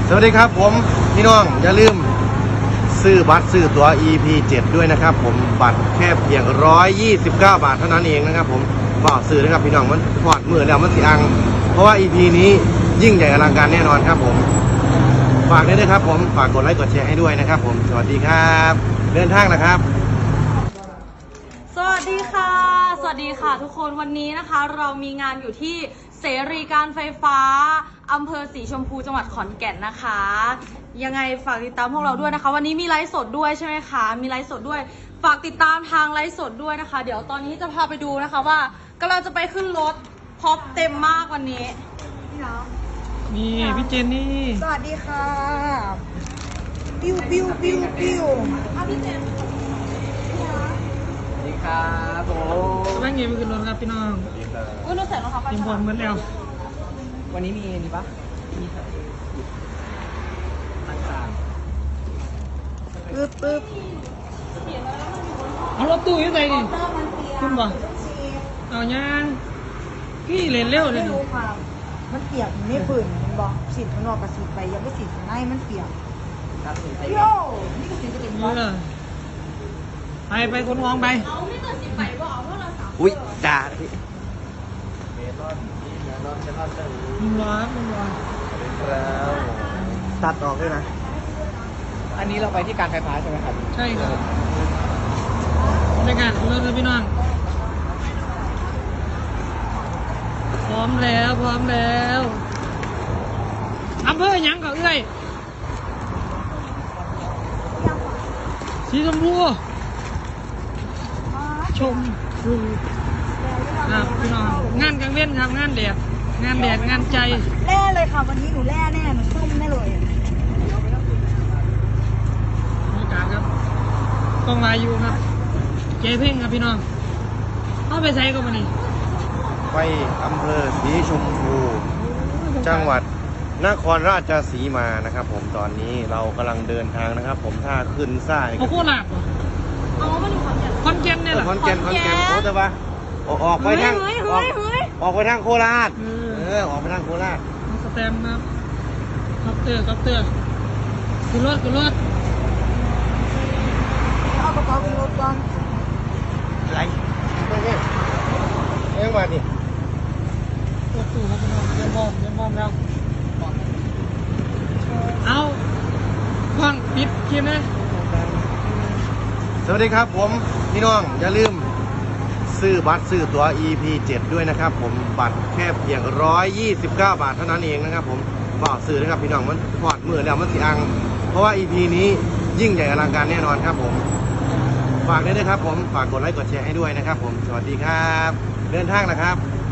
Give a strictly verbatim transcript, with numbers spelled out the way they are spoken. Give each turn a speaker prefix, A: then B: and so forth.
A: สวัสดีครับผมพี่น้องอย่าลืมซื้อบัตรซื้อตั๋ว อี พี เจ็ด ด้วยนะครับผมบัตรแค่เพียงหนึ่งร้อยยี่สิบเก้าบาทเท่านั้นเองนะครับผมก็ซื้อนะครับพี่น้องมันพอดมือแล้วมันสิอังเพราะว่า อี พี นี้ยิ่งใหญ่อลังการแน่นอนครับผมฝากด้วยนะครับผมฝากกดไลค์กดแชร์ให้ด้วยนะครับผมสวัสดีครับเดินทางนะครับ
B: สวัสดีค่ะสวัสดีค่ะทุกคนวันนี้นะคะเรามีงานอยู่ที่เสรีการไฟฟ้าอำเภอสีชมพูจังหวัดขอนแก่นนะคะยังไงฝากติดตามพวกเราด้วยนะคะวันนี้มีไลฟ์สดด้วยใช่ไหมคะมีไลฟ์สดด้วยฝากติดตามทางไลฟ์สดด้วยนะคะเดี๋ยวตอนนี้จะพาไปดูนะคะว่ากำลังจะไปขึ้นรถพร็อพเต็มมากวันนี้พี่น้อง
C: นี่พี่เจนนี่
D: สวัสดีค่ะปิ้วปิ้วปิ้วปิ้ว
B: อ่ะพี่เจน
C: สวัสดีครับผมแม่งเงี้ยไปขึ้นรถครับพี่น้อง
B: อุ้ยหนูใส่รองเท้าไป
C: เตรียมพร้อมเหมือนแล้ว
D: วันนี้มีนี่ปะมีต่างๆปึ๊บปึ๊บ
C: เอารถตู้ยังไงดิขึ้นบ่เอาย่างพี่เล่นเร็วเลย
D: ไม่รู้ความมันเปียกมันไม่ฝืนมันบอกสีดข้างนอกกับสีดไปยังไม่สีดข้างในมันเปียกโย่นี่ก็สีจะเป็น
C: นี่
D: ก้อน
C: เลยไปไปคนมองไป
B: เอาไม่เกิดสิบใบว่าเอาเท่าไหร่สาม
A: อุ้ยจ่า
C: มึงรอครับมึงรอ
A: ตัดออกด้วยนะ
D: อันนี้เราไปที่การไฟฟ้าใช่ไหมครับ
C: ใช่ครับในการเริ่มเลยพี่น้องพร้อมแล้วพร้อมแล้วอำเภอหยังก็เอ้ยสีชมพูชมพูครับพี่น้องงานกลางเว้นครับงานแดดงานแดดงานใจ
D: แร่เลยค่ะวันนี้หนูแร่แน่หนูส้มแน่เลย
C: บรรยากาศครับกองวายูครับเจเพ่งครับพี่น้องเข้าไปใส่ก็มานี่
A: ไปอำเภอสีชมพูจังหวัดนครราชสีมานะครับผมตอนนี้เรากำลังเดินทางนะครับผมถ้าขึ้นซ่าย
C: เอาโคราชเหรอ
B: เอามาดูขอนแก่น
C: คอนแกนเนี่ยเหรอ
A: คอนแก่นคอนแก่นโอ้แต่ว่าออกออกไปทาง
B: เฮ้ย
A: ออก
B: เฮ้ยเฮ้ย
A: ออกไปทางโคราช
C: เอ
A: เอ
C: อ
A: อออกไปทางโคราช
C: มาสแตมป์ครับคัปเตอร์คัปเตอร์ขึ้นรถขึ้นรถ
D: เอากระเป๋าขึ้นรถก่อน
A: ไรเฮ้ยเอ้ยมาดิ
C: รถตู้ครับพี่น้องเยี่ยมมอมเยี่ยมมอมแล้วเอาฟังปิดคลิปนะ
A: สวัสดีครับผมพี่น้องอย่าลืมซื้อบัตรซื้อตั๋ว อี พี เจ็ด ด้วยนะครับผมบัตรแค่เพียงหนึ่งร้อยยี่สิบเก้าบาทเท่านั้นเองนะครับผมก็ซื้อนะครับพี่น้องมันพอดมือแล้วมันสิอังเพราะว่า อี พี นี้ยิ่งใหญ่อลังการแน่นอนครับผมฝากด้วยนะครับผมฝากกดไลค์กดแชร์ให้ด้วยนะครับผมสวัสดีครับเดินทางนะครับ